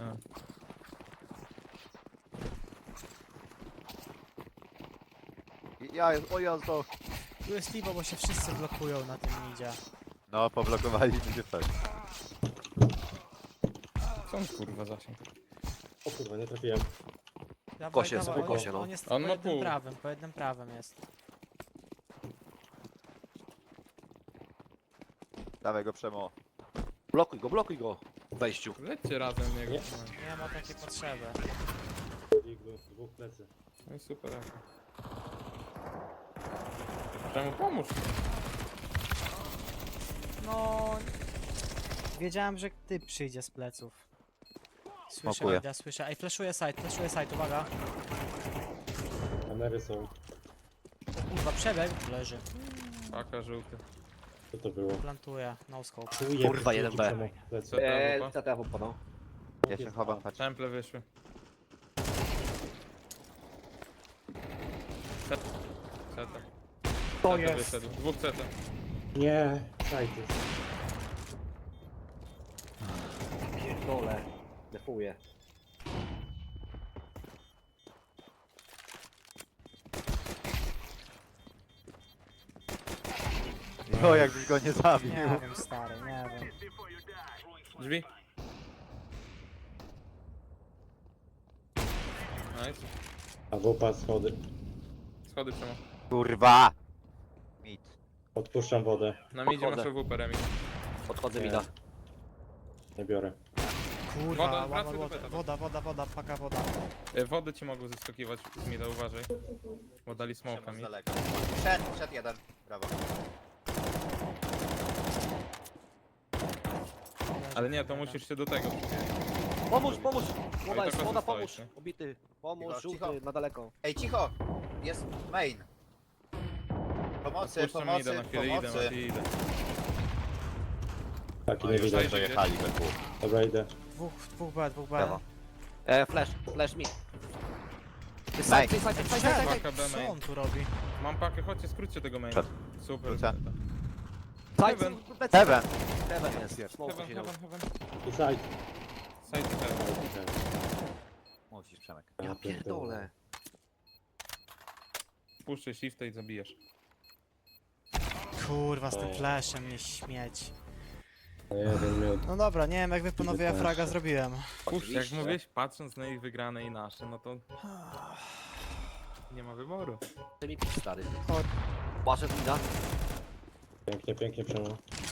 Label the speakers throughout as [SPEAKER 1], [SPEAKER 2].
[SPEAKER 1] O jazdo.
[SPEAKER 2] Tu jest Libo, bo się wszyscy blokują na tym idzie.
[SPEAKER 1] No, poblokowaliśmy się tak.
[SPEAKER 3] Co on kurwa zasięg?
[SPEAKER 4] O kurwa, nie trafiłem.
[SPEAKER 2] Dawaj,
[SPEAKER 5] Kosie,
[SPEAKER 2] dawaj,
[SPEAKER 5] sobie kosie, no.
[SPEAKER 2] on jest
[SPEAKER 3] On
[SPEAKER 2] po
[SPEAKER 3] ma
[SPEAKER 2] jednym
[SPEAKER 3] pół.
[SPEAKER 2] prawym, po jednym prawym jest.
[SPEAKER 1] Dawaj go Przemo.
[SPEAKER 5] Blokuj go w wejściu.
[SPEAKER 3] Lećcie razem w niego.
[SPEAKER 4] Nie.
[SPEAKER 2] Nie ma takiej potrzeby.
[SPEAKER 4] Iglu, dwóch plecy.
[SPEAKER 3] No i super. Czemu pomóż?
[SPEAKER 2] No... Wiedziałem, że ty przyjdzie z pleców. Słyszę,
[SPEAKER 1] Smokuję.
[SPEAKER 2] Ida, słyszę. Ej, flashuję side, uwaga.
[SPEAKER 4] Kamery są.
[SPEAKER 2] O kurwa, przebieg. Leży.
[SPEAKER 3] Paka żółty.
[SPEAKER 4] Co to było?
[SPEAKER 2] Plantuje, no scope.
[SPEAKER 4] Czuje,
[SPEAKER 5] Kurwa,
[SPEAKER 4] że
[SPEAKER 5] 1B.
[SPEAKER 4] czemu plecy.
[SPEAKER 3] Co tam,
[SPEAKER 5] CT wupa, no.
[SPEAKER 1] Ja się chowam, patrz.
[SPEAKER 3] Temple wyszły. CT.
[SPEAKER 5] To
[SPEAKER 3] CT wyszedł. Dwóch CT.
[SPEAKER 4] Nie, sajty.
[SPEAKER 5] Pierdolę. Defuję.
[SPEAKER 1] O, jakbyś go nie zabił.
[SPEAKER 2] Nie wiem, stary, nie wiem.
[SPEAKER 3] Drzwi. Nice.
[SPEAKER 4] A wupa schody.
[SPEAKER 3] Schody przemo.
[SPEAKER 1] Kurwa. Mit.
[SPEAKER 4] Odpuszczam wodę.
[SPEAKER 3] Na midzie
[SPEAKER 5] Podchodzę.
[SPEAKER 3] masz WP Remi.
[SPEAKER 5] Podchodzę
[SPEAKER 4] Nie.
[SPEAKER 5] mida.
[SPEAKER 4] Nie biorę.
[SPEAKER 2] Kurwa,
[SPEAKER 3] Woda, wracaj do
[SPEAKER 2] woda,
[SPEAKER 3] beta.
[SPEAKER 2] woda, paka woda.
[SPEAKER 3] Wody ci mogą zeskakiwać z mida, uważaj. Bo dali smoka
[SPEAKER 1] Przemo z
[SPEAKER 3] mi.
[SPEAKER 1] daleka. Szedł jeden. Brawo.
[SPEAKER 3] Ale nie, to musisz się do tego.
[SPEAKER 5] Pomóż!
[SPEAKER 3] i
[SPEAKER 5] Woda
[SPEAKER 3] tak
[SPEAKER 5] woda,
[SPEAKER 3] stoisz,
[SPEAKER 5] pomóż!
[SPEAKER 3] nie?
[SPEAKER 5] Obity. Pomóż,
[SPEAKER 1] Cicho,
[SPEAKER 5] żółty,
[SPEAKER 1] cicho.
[SPEAKER 5] na daleko.
[SPEAKER 1] Ej, cicho. Jest main. Pomocy,
[SPEAKER 3] Odpuszczam mida
[SPEAKER 1] pomocy,
[SPEAKER 3] na chwilę, idę,
[SPEAKER 1] pomocy.
[SPEAKER 3] Mati, idę.
[SPEAKER 4] Taki
[SPEAKER 1] O,
[SPEAKER 4] nie
[SPEAKER 1] już
[SPEAKER 4] widać.
[SPEAKER 1] tutaj dojechali we dwóch.
[SPEAKER 4] Dobra, idę.
[SPEAKER 2] Dwóch B.
[SPEAKER 1] Brawo.
[SPEAKER 5] Flash mi.
[SPEAKER 1] Main.
[SPEAKER 3] Paka B
[SPEAKER 2] Co
[SPEAKER 3] main.
[SPEAKER 2] on tu robi?
[SPEAKER 3] Mam pakę, chodźcie, skróćcie tego maina.
[SPEAKER 1] Przed.
[SPEAKER 3] Super.
[SPEAKER 1] Wrócę.
[SPEAKER 5] Heaven.
[SPEAKER 1] Heaven.
[SPEAKER 5] Heaven jest. Smoke
[SPEAKER 3] Heaven,
[SPEAKER 5] siedział.
[SPEAKER 3] heaven.
[SPEAKER 4] I side.
[SPEAKER 3] Side heaven.
[SPEAKER 1] Mówisz Przemek.
[SPEAKER 5] Ja pierdolę.
[SPEAKER 3] Puszczaj shifta i zabijesz.
[SPEAKER 2] Kurwa, z tym
[SPEAKER 4] O.
[SPEAKER 2] flashem mnie śmieć.
[SPEAKER 4] No jeden miód.
[SPEAKER 2] No dobra, nie wiem jak wy panowie ja fraga
[SPEAKER 4] flasze.
[SPEAKER 2] zrobiłem.
[SPEAKER 3] Puszczaj, jak
[SPEAKER 5] Oczywiście.
[SPEAKER 3] mówiłeś, patrząc na ich wygrane i nasze, no to nie ma wyboru.
[SPEAKER 5] Ty mi pić, stary.
[SPEAKER 2] Chodź.
[SPEAKER 5] Płaczę mida.
[SPEAKER 4] Pięknie, pięknie przemo.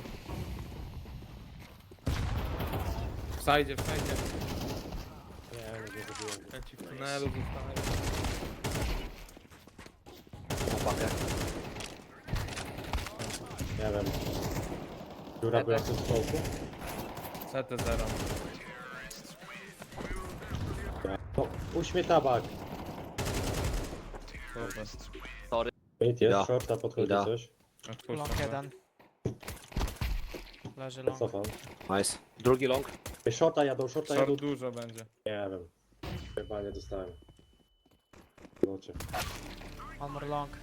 [SPEAKER 3] Wsajdzie.
[SPEAKER 4] Nie, nie zrobiłem.
[SPEAKER 3] Ja ci w tunelu zostaję.
[SPEAKER 5] Pakę.
[SPEAKER 4] Nie wiem. Dziura była w tym smoku?
[SPEAKER 3] CT0.
[SPEAKER 4] No, uśmie tabak.
[SPEAKER 3] Super.
[SPEAKER 4] Mid
[SPEAKER 5] Ida.
[SPEAKER 4] jest, shorta podchodzi
[SPEAKER 5] Ida.
[SPEAKER 4] coś.
[SPEAKER 3] Odpuszczam.
[SPEAKER 2] Long jeden. Leży long.
[SPEAKER 4] Cofam.
[SPEAKER 5] Nice. Drugi long.
[SPEAKER 4] Ej, shorta jadą.
[SPEAKER 3] Short dużo będzie.
[SPEAKER 4] Nie wiem. Chyba nie dostałem. Zobaczę.
[SPEAKER 2] One more long.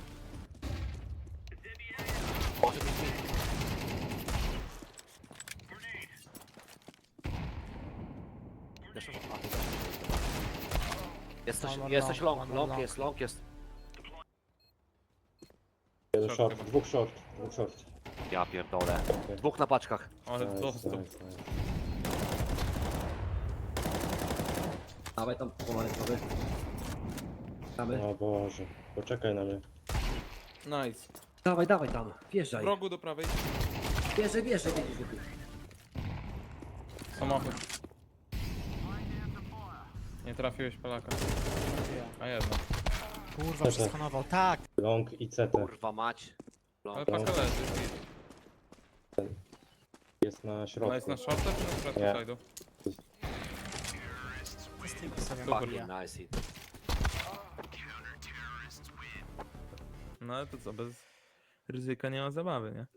[SPEAKER 5] Jesteś long, long jest.
[SPEAKER 4] Jeden
[SPEAKER 3] Short
[SPEAKER 4] short,
[SPEAKER 3] chyba.
[SPEAKER 4] dwóch short.
[SPEAKER 5] Ja pierdolę.
[SPEAKER 4] Okej.
[SPEAKER 5] Dwóch na paczkach.
[SPEAKER 3] Ale
[SPEAKER 4] Nice,
[SPEAKER 3] dostęp.
[SPEAKER 4] nice, nice.
[SPEAKER 5] Dawaj tam pomarańczowy. Damy.
[SPEAKER 4] O Boże, poczekaj na mnie.
[SPEAKER 3] Nice.
[SPEAKER 5] Dawaj tam. Wjeżdżaj.
[SPEAKER 3] W rogu do prawej.
[SPEAKER 5] Wjeżdżaj.
[SPEAKER 3] Samochód. Nie trafiłeś Polaka. A jedno.
[SPEAKER 2] Kurwa, przeskanował. Tak!
[SPEAKER 4] Long i CT
[SPEAKER 5] Kurwa mać.
[SPEAKER 3] Ale
[SPEAKER 5] Long.
[SPEAKER 3] paka leży.
[SPEAKER 4] jest na
[SPEAKER 3] Ona
[SPEAKER 4] środku.
[SPEAKER 3] jest na shorta czy na środku
[SPEAKER 4] Nie.
[SPEAKER 3] side'u?
[SPEAKER 2] Steve sobie
[SPEAKER 3] Super.
[SPEAKER 2] nabija.
[SPEAKER 5] Nice hit.
[SPEAKER 3] No ale to co, bez ryzyka nie ma zabawy, nie?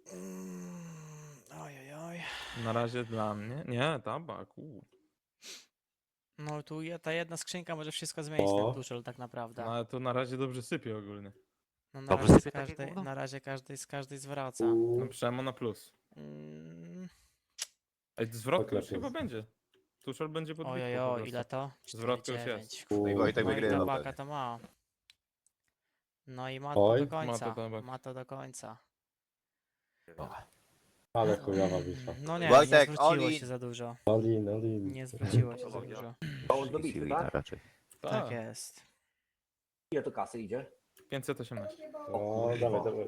[SPEAKER 2] Oj.
[SPEAKER 3] Na razie dla mnie. Nie, tabak.
[SPEAKER 2] No tu ta jedna skrzynka może wszystko zmienić,
[SPEAKER 4] O.
[SPEAKER 2] ten duszel tak naprawdę.
[SPEAKER 3] No ale to na razie dobrze sypie ogólnie.
[SPEAKER 2] No na
[SPEAKER 5] Dobrze
[SPEAKER 2] razie,
[SPEAKER 5] sypie takie gówno?
[SPEAKER 2] na razie każdej z każdej zwraca.
[SPEAKER 3] No przemo na plus.
[SPEAKER 2] Mm,
[SPEAKER 3] Ej, zwrotka już
[SPEAKER 4] lepiej
[SPEAKER 3] chyba
[SPEAKER 4] jest.
[SPEAKER 3] będzie. Tuszol będzie pod bitwą po
[SPEAKER 2] Ojojo,
[SPEAKER 3] prostu.
[SPEAKER 2] ile to?
[SPEAKER 3] Zwrotka już
[SPEAKER 2] 4,9.
[SPEAKER 3] jest.
[SPEAKER 1] No i Wojtek
[SPEAKER 2] No i
[SPEAKER 1] wygrywa.
[SPEAKER 2] tabaka to ma. No i ma to
[SPEAKER 4] Oj.
[SPEAKER 2] do końca.
[SPEAKER 3] Ma to tabak.
[SPEAKER 2] Ma to do końca.
[SPEAKER 4] Ale chujowa bitwa.
[SPEAKER 2] No nie,
[SPEAKER 1] Wojtek,
[SPEAKER 2] nie zwróciło
[SPEAKER 1] Oli.
[SPEAKER 2] się za dużo.
[SPEAKER 4] Olin, Olin.
[SPEAKER 2] Nie zwróciło się za dużo.
[SPEAKER 5] On do bitwy,
[SPEAKER 1] Wina
[SPEAKER 5] tak?
[SPEAKER 1] raczej.
[SPEAKER 2] Tak jest.
[SPEAKER 5] Ile to kasy idzie?
[SPEAKER 3] 518.
[SPEAKER 4] O, dawaj, dawaj.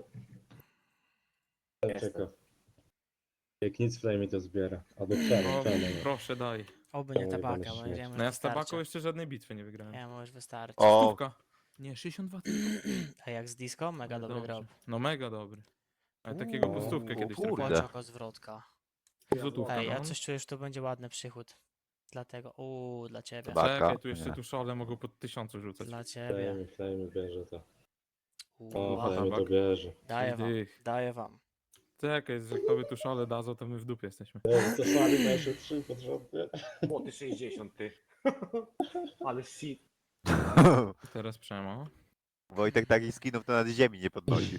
[SPEAKER 4] Czeka. Jak nic Flame to zbiera. Albo
[SPEAKER 3] O,
[SPEAKER 4] czemu.
[SPEAKER 3] proszę daj.
[SPEAKER 2] Oby nie
[SPEAKER 4] Oj,
[SPEAKER 2] tabaka,
[SPEAKER 4] będę
[SPEAKER 2] bo
[SPEAKER 4] śmiać.
[SPEAKER 2] będziemy
[SPEAKER 3] No ja z tabaką
[SPEAKER 2] wystarczy.
[SPEAKER 3] jeszcze żadnej bitwy nie wygrałem.
[SPEAKER 2] Nie, możesz wystarczy.
[SPEAKER 1] O,
[SPEAKER 3] Stówka. Nie, 62.
[SPEAKER 2] A jak z disco? Mega dobry
[SPEAKER 3] Dobrze.
[SPEAKER 2] drop.
[SPEAKER 3] No mega dobry. Ale takiego po stówkę kiedyś
[SPEAKER 1] kurde.
[SPEAKER 3] trafiłem.
[SPEAKER 2] Poczoko zwrotka.
[SPEAKER 3] Złotówka,
[SPEAKER 2] Ej, ja
[SPEAKER 3] no.
[SPEAKER 2] coś czuję, że to będzie ładny przychód. Dlatego, dla ciebie.
[SPEAKER 1] Chyba.
[SPEAKER 3] Czekaj,
[SPEAKER 1] Baka?
[SPEAKER 3] tu jeszcze
[SPEAKER 1] Nie.
[SPEAKER 3] tuszole mogą pod 1000 rzucać.
[SPEAKER 2] Dla ciebie.
[SPEAKER 4] Flame bierze to. O,
[SPEAKER 2] Uła,
[SPEAKER 4] Flame to
[SPEAKER 3] tabak.
[SPEAKER 4] bierze.
[SPEAKER 2] daję wam,
[SPEAKER 3] Dych.
[SPEAKER 2] daję wam.
[SPEAKER 3] Czekaj, że jak tobie tuszole dadzą, to my w dupie jesteśmy.
[SPEAKER 4] To słaby nasze 3 pod rząd, nie?
[SPEAKER 5] Młoty 60, ty. Ale shit.
[SPEAKER 3] Teraz Przemo.
[SPEAKER 1] Wojtek takich skinów to nad ziemi nie podnosi.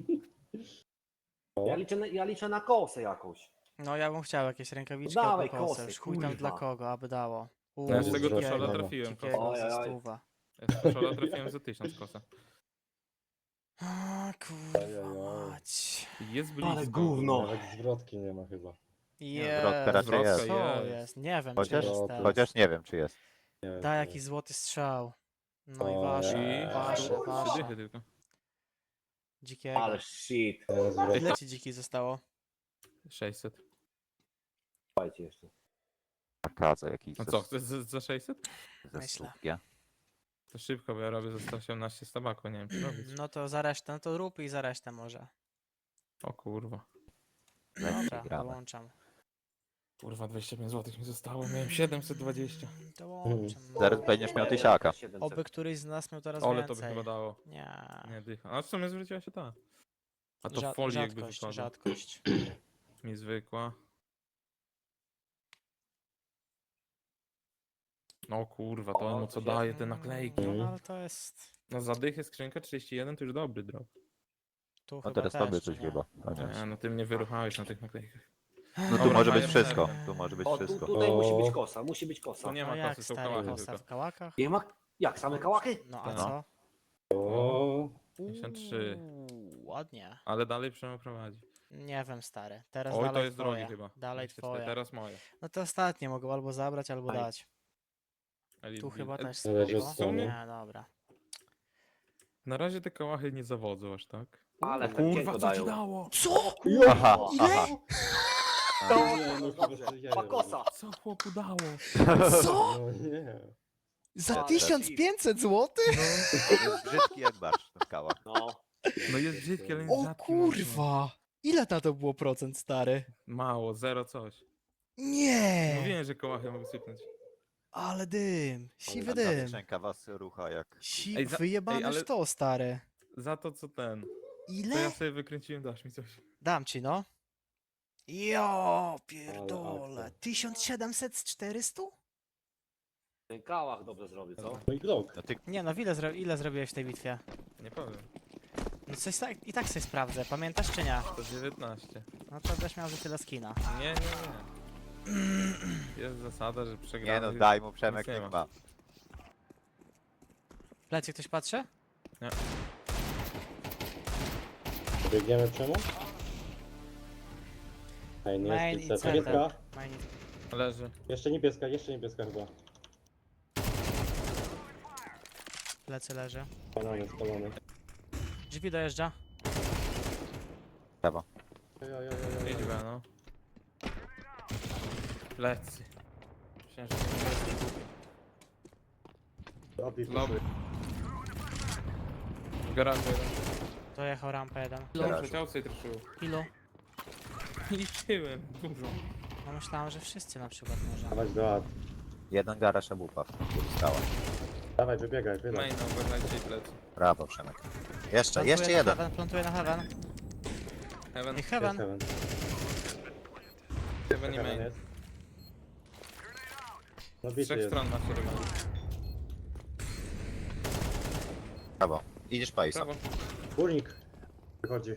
[SPEAKER 5] Ja liczę na kosę jakąś.
[SPEAKER 2] No ja bym chciał jakieś rękawiczki
[SPEAKER 5] Dawaj,
[SPEAKER 2] albo kosę.
[SPEAKER 5] kosy,
[SPEAKER 2] Już chuj tam
[SPEAKER 5] kurwa.
[SPEAKER 2] dla kogo, aby dało.
[SPEAKER 3] No ja z tego
[SPEAKER 4] Dzikiego,
[SPEAKER 3] tuszola
[SPEAKER 4] no.
[SPEAKER 3] trafiłem.
[SPEAKER 2] Dzikiego
[SPEAKER 3] Kosa.
[SPEAKER 2] za
[SPEAKER 5] Oj, oj.
[SPEAKER 2] stówę.
[SPEAKER 3] Ja z tuszola trafiłem za 1000 kosa.
[SPEAKER 2] A, kurwa
[SPEAKER 4] Ojojoj.
[SPEAKER 2] mać.
[SPEAKER 3] Jest blisko.
[SPEAKER 5] Ale gówno.
[SPEAKER 4] Nawet zwrotki nie ma chyba.
[SPEAKER 1] Wrotka raczej
[SPEAKER 3] Zwrotka
[SPEAKER 1] jest.
[SPEAKER 2] Co
[SPEAKER 3] jest.
[SPEAKER 2] jest? Nie wiem,
[SPEAKER 1] Chociaż-
[SPEAKER 2] czy jest
[SPEAKER 4] chociaż-
[SPEAKER 2] teraz.
[SPEAKER 1] Chociaż nie wiem, czy jest.
[SPEAKER 4] Nie wiem,
[SPEAKER 2] Daj
[SPEAKER 4] czy
[SPEAKER 2] jakiś złoty strzał. No i
[SPEAKER 4] O,
[SPEAKER 2] wasze,
[SPEAKER 3] I
[SPEAKER 2] wasze,
[SPEAKER 3] trzy
[SPEAKER 2] wasze.
[SPEAKER 3] dychy tylko.
[SPEAKER 2] Dzikiego.
[SPEAKER 5] Ale shit.
[SPEAKER 4] nie jest zwrotki.
[SPEAKER 2] Ile ci dziki zostało?
[SPEAKER 3] 600.
[SPEAKER 5] Słuchajcie jeszcze.
[SPEAKER 1] Taka jakiś
[SPEAKER 3] No co, chcesz za 600?
[SPEAKER 1] ze
[SPEAKER 2] Myślę.
[SPEAKER 1] stówki.
[SPEAKER 3] To szybko, bo ja robię za 118 z tabaku, nie wiem czy robić.
[SPEAKER 2] No to za resztę, no to rób i za resztę może.
[SPEAKER 3] O kurwa.
[SPEAKER 2] Dobra,
[SPEAKER 1] gramy.
[SPEAKER 2] dołączam.
[SPEAKER 3] Kurwa, 25 zł mi zostało, miałem 720.
[SPEAKER 2] Dołączam. no.
[SPEAKER 1] Zaraz będziesz miał tysiaka.
[SPEAKER 5] 700.
[SPEAKER 2] Oby któryś z nas miał teraz
[SPEAKER 3] Ole to by
[SPEAKER 2] więcej.
[SPEAKER 3] chyba dało.
[SPEAKER 2] Nie.
[SPEAKER 3] Nie dycha. A w sumie zwróciła się ta. A to w folii jakby
[SPEAKER 2] Rzadkość,
[SPEAKER 3] wypadła.
[SPEAKER 2] rzadkość.
[SPEAKER 3] Mi zwykła. No kurwa, to
[SPEAKER 5] O,
[SPEAKER 3] mu
[SPEAKER 5] to
[SPEAKER 3] co
[SPEAKER 5] się-
[SPEAKER 3] daje te naklejki.
[SPEAKER 2] No ale to jest...
[SPEAKER 3] No za dychę skrzynka 31 to już dobry drop.
[SPEAKER 2] Tu
[SPEAKER 1] No
[SPEAKER 2] chyba
[SPEAKER 1] teraz
[SPEAKER 2] też,
[SPEAKER 1] tobie
[SPEAKER 2] czy
[SPEAKER 1] coś
[SPEAKER 2] nie?
[SPEAKER 1] chyba. Chociaż.
[SPEAKER 3] Nie, no ty mnie wyruchałeś na tych naklejkach.
[SPEAKER 1] No tu
[SPEAKER 3] Dobra,
[SPEAKER 1] może być
[SPEAKER 3] fajne
[SPEAKER 1] wszystko.
[SPEAKER 3] serie.
[SPEAKER 1] Tu może być
[SPEAKER 5] O,
[SPEAKER 1] wszystko.
[SPEAKER 5] tutaj musi
[SPEAKER 4] O.
[SPEAKER 5] być kosa, musi być kosa.
[SPEAKER 3] Tu nie
[SPEAKER 2] No
[SPEAKER 3] ma
[SPEAKER 2] jak
[SPEAKER 3] kasy, są
[SPEAKER 2] stary
[SPEAKER 3] kałachy
[SPEAKER 2] kosa
[SPEAKER 3] tylko.
[SPEAKER 2] w kałakach?
[SPEAKER 5] Nie ma... Jak, same kałachy?
[SPEAKER 2] No a
[SPEAKER 3] Tak.
[SPEAKER 2] co?
[SPEAKER 4] O,
[SPEAKER 3] 53.
[SPEAKER 2] Ładnie.
[SPEAKER 3] Ale dalej Przemo prowadzi.
[SPEAKER 2] Nie wiem stary. Teraz
[SPEAKER 3] Oj,
[SPEAKER 2] dalej
[SPEAKER 3] to jest
[SPEAKER 2] twoje.
[SPEAKER 3] drogi chyba.
[SPEAKER 2] Dalej
[SPEAKER 3] 24,
[SPEAKER 2] twoje.
[SPEAKER 3] Teraz moje.
[SPEAKER 2] No to ostatnie mogą albo zabrać, albo
[SPEAKER 5] Aj.
[SPEAKER 2] dać.
[SPEAKER 3] Elite
[SPEAKER 2] Tu
[SPEAKER 3] Build.
[SPEAKER 2] chyba też
[SPEAKER 4] Zależy
[SPEAKER 2] spoko.
[SPEAKER 4] od strony.
[SPEAKER 2] Nie, dobra.
[SPEAKER 3] Na razie te kałachy nie zawodzą aż tak.
[SPEAKER 5] Ale
[SPEAKER 3] O kurwa,
[SPEAKER 5] kurwa,
[SPEAKER 3] co ci
[SPEAKER 5] dają.
[SPEAKER 3] dało?
[SPEAKER 2] Co?
[SPEAKER 1] Aha,
[SPEAKER 5] Ile?
[SPEAKER 1] aha.
[SPEAKER 5] To,
[SPEAKER 4] Nie, no
[SPEAKER 5] dobrze.
[SPEAKER 4] chyba, że jaja
[SPEAKER 5] Ma kosa.
[SPEAKER 3] Co chłopu dało?
[SPEAKER 2] Co?
[SPEAKER 4] no nie.
[SPEAKER 2] Za
[SPEAKER 5] Ale
[SPEAKER 2] 1500 zł?
[SPEAKER 1] To jest brzydki jak barsz w skałach.
[SPEAKER 5] No.
[SPEAKER 3] No jest brzydki, ale jest
[SPEAKER 2] O
[SPEAKER 3] rzadki mocno.
[SPEAKER 2] kurwa! Ile na to było procent, stary?
[SPEAKER 3] Mało, zero coś.
[SPEAKER 2] Nie!
[SPEAKER 3] Mówiłem, że kołachy mogą sypnąć.
[SPEAKER 2] Ale dym! Siwy
[SPEAKER 1] A ta
[SPEAKER 2] dym!
[SPEAKER 1] skrzynka was rucha jak...
[SPEAKER 3] Ej, za-
[SPEAKER 2] Wyjebane
[SPEAKER 3] ej, ale-
[SPEAKER 2] to, stary.
[SPEAKER 3] Za to co ten. To ja
[SPEAKER 2] Ile?
[SPEAKER 3] sobie wykręciłem, dasz mi coś.
[SPEAKER 2] Dam ci, no. Jo,
[SPEAKER 4] Ale
[SPEAKER 2] pierdolę.
[SPEAKER 4] akcja.
[SPEAKER 2] 1700 z 400?
[SPEAKER 5] Ten kałach dobrze zrobił, co?
[SPEAKER 4] No i Glock.
[SPEAKER 1] No ty
[SPEAKER 2] Nie no, ile zrobiłeś w tej bitwie?
[SPEAKER 3] Nie powiem.
[SPEAKER 2] No coś tak, i tak sobie sprawdzę, pamiętasz czy nie?
[SPEAKER 3] To 19.
[SPEAKER 2] No to byś miał za tyle skina.
[SPEAKER 3] Nie. Jest zasada, że
[SPEAKER 1] nie
[SPEAKER 3] przegrany.
[SPEAKER 1] no, daj mu Przemek,
[SPEAKER 3] nic nie
[SPEAKER 1] niech
[SPEAKER 3] ma.
[SPEAKER 1] ma.
[SPEAKER 2] W plecy ktoś patrzy?
[SPEAKER 4] Biegniemy czemu? Ej, nie
[SPEAKER 2] Main
[SPEAKER 4] jest
[SPEAKER 2] i
[SPEAKER 4] pizza.
[SPEAKER 2] center.
[SPEAKER 4] Niebieska?
[SPEAKER 2] Main.
[SPEAKER 3] Leży.
[SPEAKER 4] Jeszcze niebieska chyba.
[SPEAKER 2] Plecy leży.
[SPEAKER 4] Spalony.
[SPEAKER 2] Drzwi dojeżdża.
[SPEAKER 1] Prawo.
[SPEAKER 3] Idź we, no. Plecy. Myślałem, że to nie jest głupi. Lobby. W garażu jeden.
[SPEAKER 2] Dojechał rampę jeden.
[SPEAKER 1] Garażu.
[SPEAKER 3] Chciał sobie truszył.
[SPEAKER 2] Ilu?
[SPEAKER 3] Liczyłem, dużo.
[SPEAKER 2] No myślałem, że wszyscy na przykład może.
[SPEAKER 4] Dawać do ad.
[SPEAKER 1] Jeden garaż obupa w skałach.
[SPEAKER 4] Dawaj, wybiegaj, wylać.
[SPEAKER 3] Main, no, uważajcie i plecy.
[SPEAKER 1] Brawo Przemek. Jeszcze
[SPEAKER 2] Plantuje na
[SPEAKER 1] jeden.
[SPEAKER 2] Heaven, plantuje na heaven.
[SPEAKER 3] Heaven,
[SPEAKER 2] I heaven.
[SPEAKER 4] Heaven.
[SPEAKER 3] heaven i
[SPEAKER 4] Heaven
[SPEAKER 3] main.
[SPEAKER 4] jest. No
[SPEAKER 3] Z
[SPEAKER 4] bity
[SPEAKER 3] trzech
[SPEAKER 4] jest.
[SPEAKER 3] stron macie rybę.
[SPEAKER 1] Brawo. Idziesz Pajsa.
[SPEAKER 3] Prawo.
[SPEAKER 4] Górnik. Wychodzi.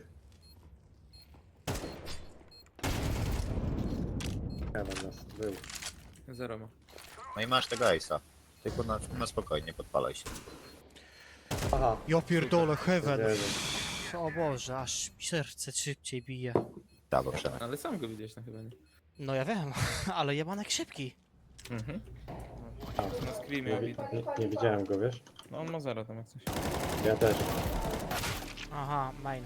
[SPEAKER 4] Heaven nas był.
[SPEAKER 3] Zero ma.
[SPEAKER 1] No i masz tego Ace'a. Tylko na spokojnie, podpalaj się.
[SPEAKER 4] Aha.
[SPEAKER 2] Ja pierdolę, heaven.
[SPEAKER 4] Jezu.
[SPEAKER 2] O Boże, aż mi serce szybciej bije.
[SPEAKER 1] Brawo, Przemek.
[SPEAKER 3] Ale sam go widziałeś no chyba nie.
[SPEAKER 2] No ja wiem, ale jebanek szybki.
[SPEAKER 3] Mhm.
[SPEAKER 4] A,
[SPEAKER 3] Na screamie ja widzę.
[SPEAKER 4] nie widziałem go, wiesz?
[SPEAKER 3] No on ma 0 tam jak coś.
[SPEAKER 4] Ja też.
[SPEAKER 2] Aha, main.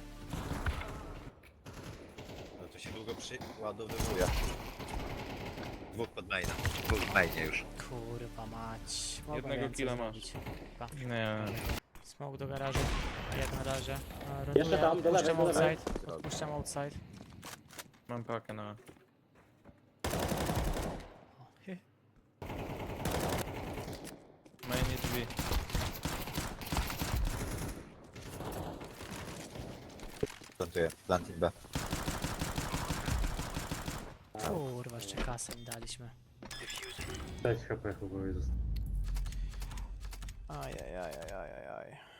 [SPEAKER 1] No to się długo przyładowywuje. Dwóch pod mainem. Dwóch w mainie już.
[SPEAKER 2] Kurwa mać. Mogę
[SPEAKER 3] Jednego
[SPEAKER 2] więcej
[SPEAKER 3] killa masz.
[SPEAKER 2] zrobić. Pa.
[SPEAKER 3] Nie.
[SPEAKER 2] Smoke do garażu. Jak na razie.
[SPEAKER 4] Jeszcze tam, do lewej,
[SPEAKER 2] Odpuszczam
[SPEAKER 4] do lewej.
[SPEAKER 2] outside. Odpuszczam outside.
[SPEAKER 3] Mam pakę na...
[SPEAKER 2] O, hy.
[SPEAKER 3] Mainie drzwi.
[SPEAKER 1] Plantuję. Planting B.
[SPEAKER 2] Kurwa, jeszcze kasę im daliśmy.
[SPEAKER 4] 6 HP chyba jest.
[SPEAKER 2] Ajajajajajaj.